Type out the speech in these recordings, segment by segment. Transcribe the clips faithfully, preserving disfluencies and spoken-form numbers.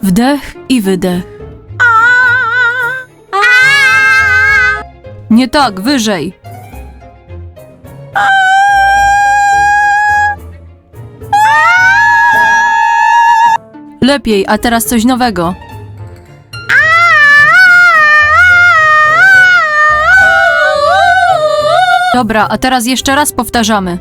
Wdech i wydech. Nie tak, wyżej. Lepiej, a teraz coś nowego. Dobra, a teraz jeszcze raz powtarzamy.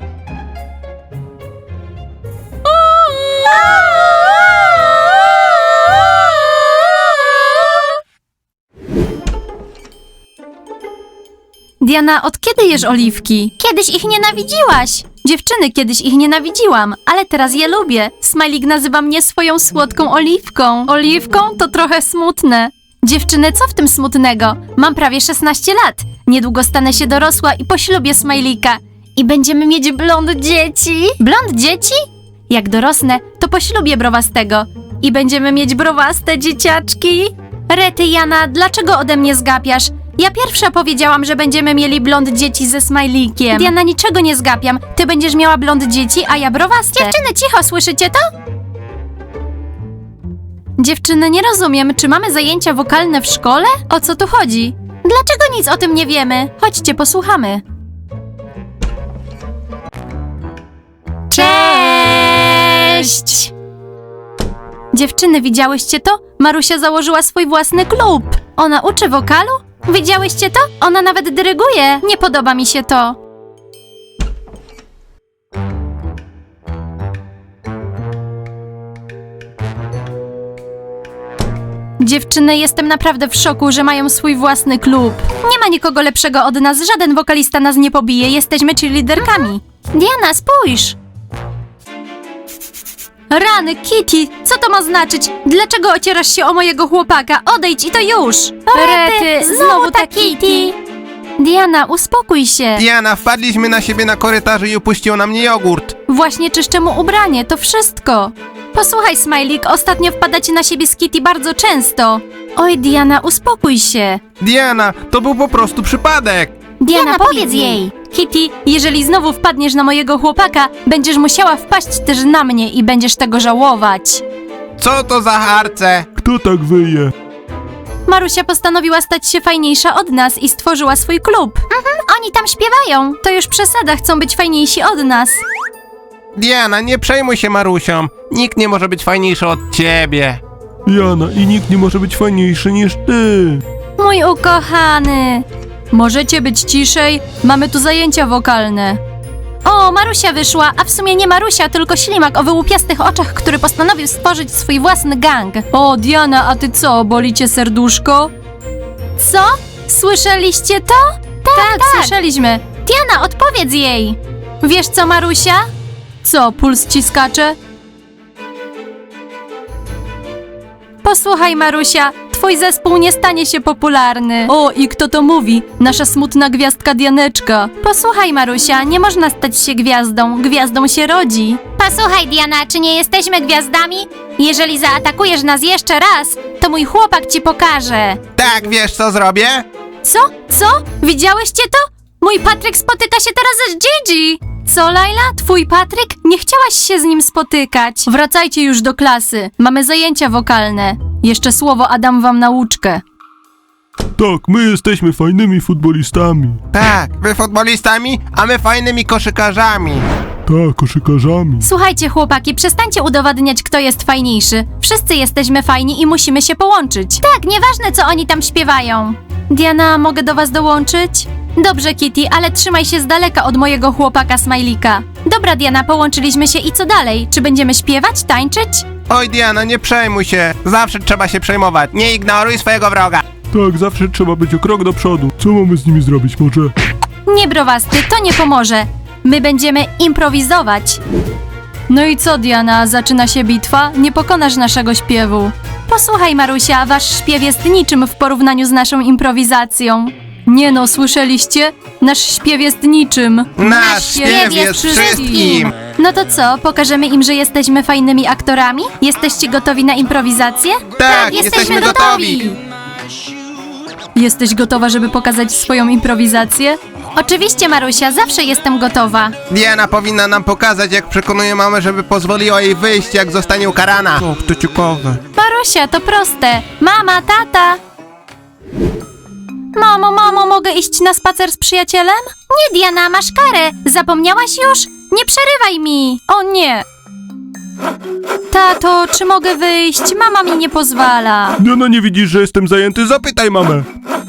Diana, od kiedy jesz oliwki? Kiedyś ich nienawidziłaś. Dziewczyny, kiedyś ich nienawidziłam, ale teraz je lubię. Smajlik nazywa mnie swoją słodką oliwką. Oliwką to trochę smutne. Dziewczyny, co w tym smutnego? Mam prawie szesnaście lat. Niedługo stanę się dorosła i poślubię Smajlika. I będziemy mieć blond dzieci. Blond dzieci? Jak dorosnę, to poślubię browastego. I będziemy mieć browaste dzieciaczki. Rety, Jana, dlaczego ode mnie zgapiasz? Ja pierwsza powiedziałam, że będziemy mieli blond dzieci ze Smajlikiem. Diana, niczego nie zgapiam. Ty będziesz miała blond dzieci, a ja browaste. Dziewczyny, cicho, słyszycie to? Dziewczyny, nie rozumiem, czy mamy zajęcia wokalne w szkole? O co tu chodzi? Dlaczego nic o tym nie wiemy? Chodźcie, posłuchamy. Cześć! Dziewczyny, widziałyście to? Marusia założyła swój własny klub. Ona uczy wokalu? Widziałyście to? Ona nawet dyryguje. Nie podoba mi się to. Dziewczyny, jestem naprawdę w szoku, że mają swój własny klub. Nie ma nikogo lepszego od nas, żaden wokalista nas nie pobije, jesteśmy cheerleaderkami. Diana, spójrz! Rany, Kitty, co to ma znaczyć? Dlaczego ocierasz się o mojego chłopaka? Odejdź i to już! Rety, znowu ta Kitty. Diana, uspokój się. Diana, wpadliśmy na siebie na korytarzu i upuścił na mnie jogurt. Właśnie czyszczę mu ubranie, to wszystko. Posłuchaj, Smajlik, ostatnio wpadacie na siebie z Kitty bardzo często. Oj, Diana, uspokój się. Diana, to był po prostu przypadek. Diana, powiedz jej. Kitty, jeżeli znowu wpadniesz na mojego chłopaka, będziesz musiała wpaść też na mnie i będziesz tego żałować. Co to za harce? Kto tak wyje? Marusia postanowiła stać się fajniejsza od nas i stworzyła swój klub. Oni tam śpiewają. To już przesada, chcą być fajniejsi od nas. Diana, nie przejmuj się Marusią. Nikt nie może być fajniejszy od ciebie. Jana, i nikt nie może być fajniejszy niż ty. Mój ukochany. Możecie być ciszej? Mamy tu zajęcia wokalne. O, Marusia wyszła, a w sumie nie Marusia, tylko ślimak o wyłupiastych oczach, który postanowił stworzyć swój własny gang. O, Diana, a ty co, boli cię serduszko? Co? Słyszeliście to? Tak, tak, słyszeliśmy. Diana, odpowiedz jej. Wiesz co, Marusia? Co, puls ci skacze? Posłuchaj, Marusia, twój zespół nie stanie się popularny. O, i kto to mówi? Nasza smutna gwiazdka Dianeczka. Posłuchaj, Marusia, nie można stać się gwiazdą. Gwiazdą się rodzi. Posłuchaj, Diana, czy nie jesteśmy gwiazdami? Jeżeli zaatakujesz nas jeszcze raz, to mój chłopak ci pokaże. Tak, wiesz co zrobię? Co? Co? Widziałyście to? Mój Patryk spotyka się teraz z Gigi. Co, Laila? Twój Patryk? Nie chciałaś się z nim spotykać. Wracajcie już do klasy. Mamy zajęcia wokalne. Jeszcze słowo Adam wam nauczkę. Tak, my jesteśmy fajnymi futbolistami. Tak, wy futbolistami, a my fajnymi koszykarzami. Tak, koszykarzami. Słuchajcie, chłopaki, przestańcie udowadniać, kto jest fajniejszy. Wszyscy jesteśmy fajni i musimy się połączyć. Tak, nieważne co oni tam śpiewają. Diana, mogę do was dołączyć? Dobrze, Kitty, ale trzymaj się z daleka od mojego chłopaka Smajlika. Dobra, Diana, połączyliśmy się i co dalej? Czy będziemy śpiewać, tańczyć? Oj Diana, nie przejmuj się. Zawsze trzeba się przejmować. Nie ignoruj swojego wroga. Tak, zawsze trzeba być o krok do przodu. Co mamy z nimi zrobić, może? Nie, browasty, to nie pomoże. My będziemy improwizować. No i co, Diana, zaczyna się bitwa? Nie pokonasz naszego śpiewu. Posłuchaj, Marusia, wasz śpiew jest niczym w porównaniu z naszą improwizacją. Nie no, słyszeliście? Nasz śpiew jest niczym. Nasz śpiew jest wszystkim. No to co, pokażemy im, że jesteśmy fajnymi aktorami? Jesteście gotowi na improwizację? Tak, jesteśmy gotowi. Jesteś gotowa, żeby pokazać swoją improwizację? Oczywiście, Marusia, zawsze jestem gotowa. Diana powinna nam pokazać, jak przekonuje mamę, żeby pozwoliła jej wyjść, jak zostanie ukarana. Och, to ciekawe. Marusia, to proste. Mama, tata. Mamo, mamo, mogę iść na spacer z przyjacielem? Nie, Diana, masz karę. Zapomniałaś już? Nie przerywaj mi. O nie. Tato, czy mogę wyjść? Mama mi nie pozwala. Diana, nie widzisz, że jestem zajęty? Zapytaj mamę.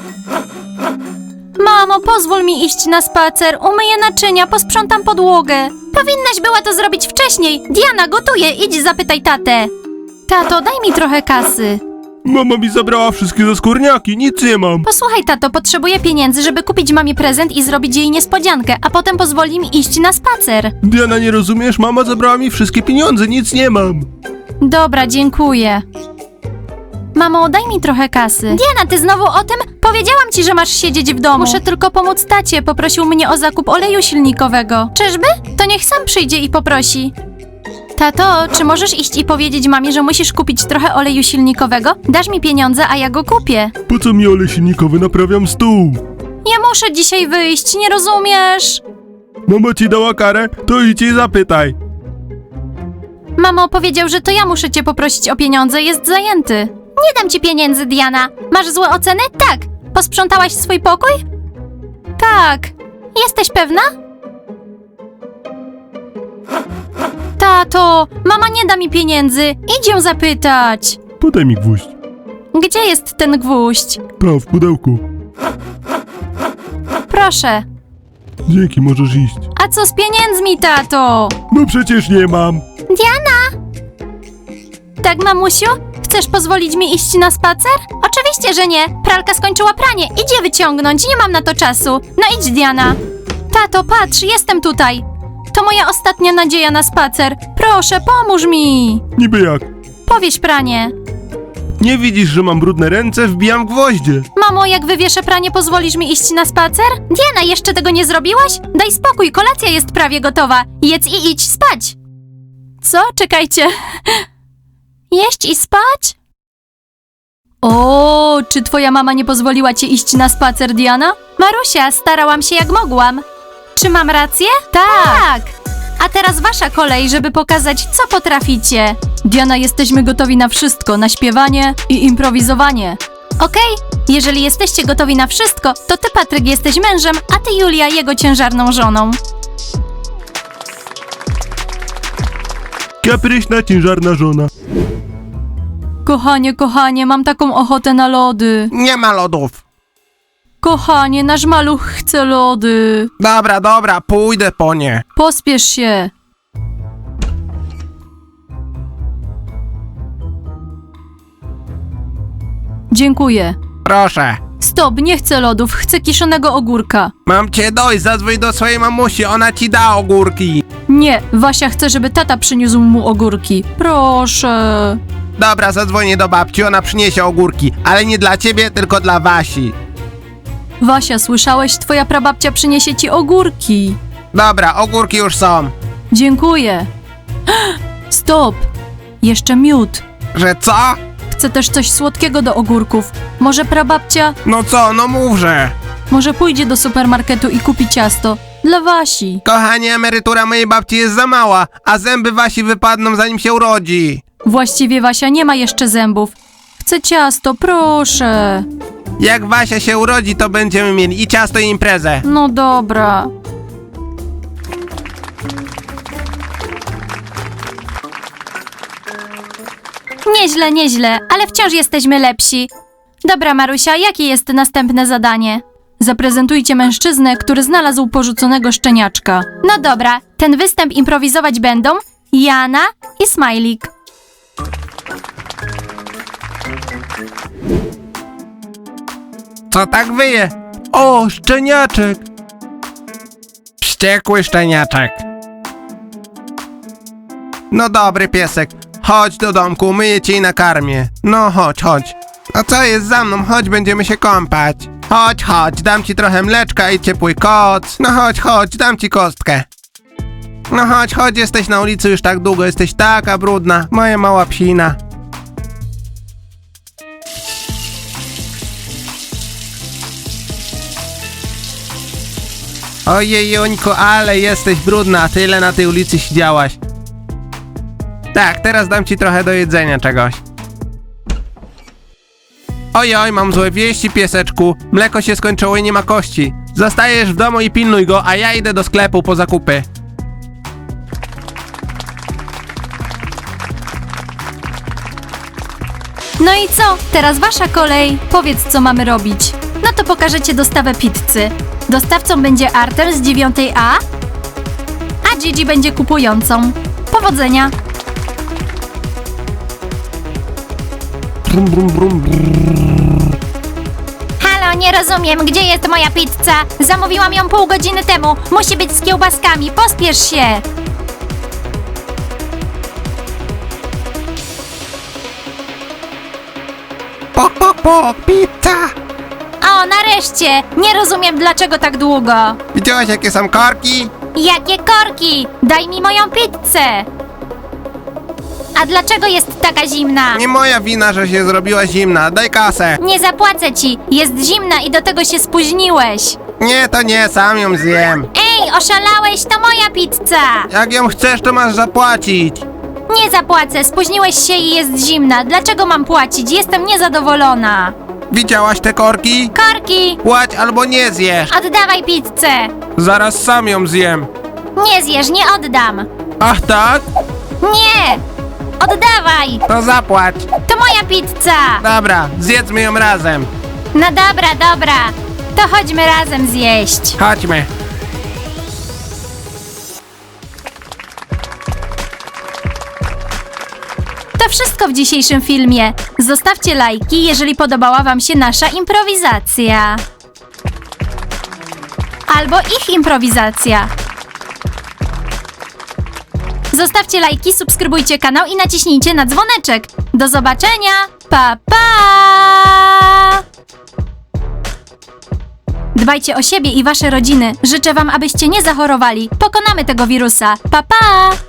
Mamo, pozwól mi iść na spacer. Umyję naczynia, posprzątam podłogę. Powinnaś była to zrobić wcześniej. Diana, gotuje. Idź zapytaj tatę. Tato, daj mi trochę kasy. Mama mi zabrała wszystkie zaskórniaki, nic nie mam. Posłuchaj, tato, potrzebuję pieniędzy, żeby kupić mamie prezent i zrobić jej niespodziankę, a potem pozwoli mi iść na spacer. Diana, nie rozumiesz? Mama zabrała mi wszystkie pieniądze, nic nie mam. Dobra, dziękuję. Mamo, daj mi trochę kasy. Diana, ty znowu o tym? Powiedziałam ci, że masz siedzieć w domu. Muszę tylko pomóc tacie, poprosił mnie o zakup oleju silnikowego. Czyżby? To niech sam przyjdzie i poprosi. Tato, czy możesz iść i powiedzieć mamie, że musisz kupić trochę oleju silnikowego? Dasz mi pieniądze, a ja go kupię. Po co mi olej silnikowy? Naprawiam stół. Ja muszę dzisiaj wyjść, nie rozumiesz? Mama ci dała karę? To idź i zapytaj. Mamo powiedział, że to ja muszę cię poprosić o pieniądze, jest zajęty. Nie dam ci pieniędzy, Diana. Masz złe oceny? Tak. Posprzątałaś swój pokój? Tak. Jesteś pewna? Tato, mama nie da mi pieniędzy, idź ją zapytać. Podaj mi gwóźdź. Gdzie jest ten gwóźdź? Tam, w pudełku. Proszę. Dzięki, możesz iść. A co z pieniędzmi, tato? No przecież nie mam. Diana! Tak, mamusiu? Chcesz pozwolić mi iść na spacer? Oczywiście, że nie. Pralka skończyła pranie. Idź je wyciągnąć. Nie mam na to czasu. No idź, Diana. Tato, patrz, jestem tutaj. To moja ostatnia nadzieja na spacer. Proszę, pomóż mi. Niby jak? Powieś pranie. Nie widzisz, że mam brudne ręce? Wbijam gwoździe. Mamo, jak wywieszę pranie, pozwolisz mi iść na spacer? Diana, jeszcze tego nie zrobiłaś? Daj spokój, kolacja jest prawie gotowa. Jedz i idź spać. Co? Czekajcie. Jeść i spać? O, czy twoja mama nie pozwoliła ci iść na spacer, Diana? Marusia, starałam się jak mogłam. Czy mam rację? Tak. A teraz wasza kolej, żeby pokazać, co potraficie. Diana, jesteśmy gotowi na wszystko, na śpiewanie i improwizowanie. Okej? Jeżeli jesteście gotowi na wszystko, to ty, Patryk, jesteś mężem, a ty, Julia, jego ciężarną żoną. Kapryśna, ciężarna żona. Kochanie, kochanie, mam taką ochotę na lody. Nie ma lodów. Kochanie, nasz maluch chce lody. Dobra, dobra, pójdę po nie. Pospiesz się. Dziękuję. Proszę. Stop, nie chcę lodów, chcę kiszonego ogórka. Mam cię dojść, zadzwoń do swojej mamusi, ona ci da ogórki. Nie, Wasia chce, żeby tata przyniósł mu ogórki. Proszę. Dobra, zadzwonię do babci, ona przyniesie ogórki, ale nie dla ciebie, tylko dla Wasi. Wasia, słyszałeś? Twoja prababcia przyniesie ci ogórki. Dobra, ogórki już są. Dziękuję. Stop. Jeszcze miód. Że co? Chcę też coś słodkiego do ogórków. Może prababcia, No co, no mówże. może pójdzie do supermarketu i kupi ciasto. Dla Wasi. Kochanie, emerytura mojej babci jest za mała, a zęby Wasi wypadną zanim się urodzi. Właściwie Wasia nie ma jeszcze zębów. Chcę ciasto, proszę. Jak Wasia się urodzi, to będziemy mieli i ciasto, i imprezę. No dobra. Nieźle, nieźle, ale wciąż jesteśmy lepsi. Dobra, Marusia, jakie jest następne zadanie? Zaprezentujcie mężczyznę, który znalazł porzuconego szczeniaczka. No dobra, ten występ improwizować będą Jana i Smajlik. Co tak wyje? O, szczeniaczek. Wściekły szczeniaczek. No dobry piesek, chodź do domku, myję cię i nakarmię. No chodź, chodź. A co jest za mną? Chodź, będziemy się kąpać. Chodź, chodź, dam ci trochę mleczka i ciepły koc. No chodź, chodź, dam ci kostkę. No chodź, chodź, jesteś na ulicy już tak długo, jesteś taka brudna, moja mała psina. Ojej, Jońku, ale jesteś brudna, tyle na tej ulicy siedziałaś. Tak, teraz dam ci trochę do jedzenia czegoś. Oj, oj, mam złe wieści, pieseczku. Mleko się skończyło i nie ma kości. Zostajesz w domu i pilnuj go, a ja idę do sklepu po zakupy. No i co? Teraz wasza kolej. Powiedz, co mamy robić. No to pokażecie dostawę pizzy. Dostawcą będzie Artem z dziewiątej A, a Gigi będzie kupującą. Powodzenia. Brum, brum, brum, brum. Halo, nie rozumiem, gdzie jest moja pizza? Zamówiłam ją pół godziny temu. Musi być z kiełbaskami, pospiesz się. Pok, pok, pok, pizza! O, nareszcie! Nie rozumiem, dlaczego tak długo. Widziałaś, jakie są korki? Jakie korki! Daj mi moją pizzę! A dlaczego jest taka zimna? Nie moja wina, że się zrobiła zimna. Daj kasę. Nie zapłacę ci! Jest zimna i do tego się spóźniłeś! Nie, to nie, sam ją zjem. Ej, oszalałeś? To moja pizza! Jak ją chcesz, to masz zapłacić. Nie zapłacę, spóźniłeś się i jest zimna. Dlaczego mam płacić? Jestem niezadowolona. Widziałaś te korki? Korki! Płać albo nie zjesz. Oddawaj pizzę! Zaraz sam ją zjem. Nie zjesz, nie oddam! Ach tak? Nie! Oddawaj! To zapłać. To moja pizza! Dobra, zjedzmy ją razem. No dobra, dobra. To chodźmy razem zjeść. Chodźmy. To wszystko w dzisiejszym filmie. Zostawcie lajki, jeżeli podobała wam się nasza improwizacja. Albo ich improwizacja. Zostawcie lajki, subskrybujcie kanał i naciśnijcie na dzwoneczek. Do zobaczenia! Pa, pa! Dbajcie o siebie i wasze rodziny. Życzę wam, abyście nie zachorowali. Pokonamy tego wirusa. Pa, pa!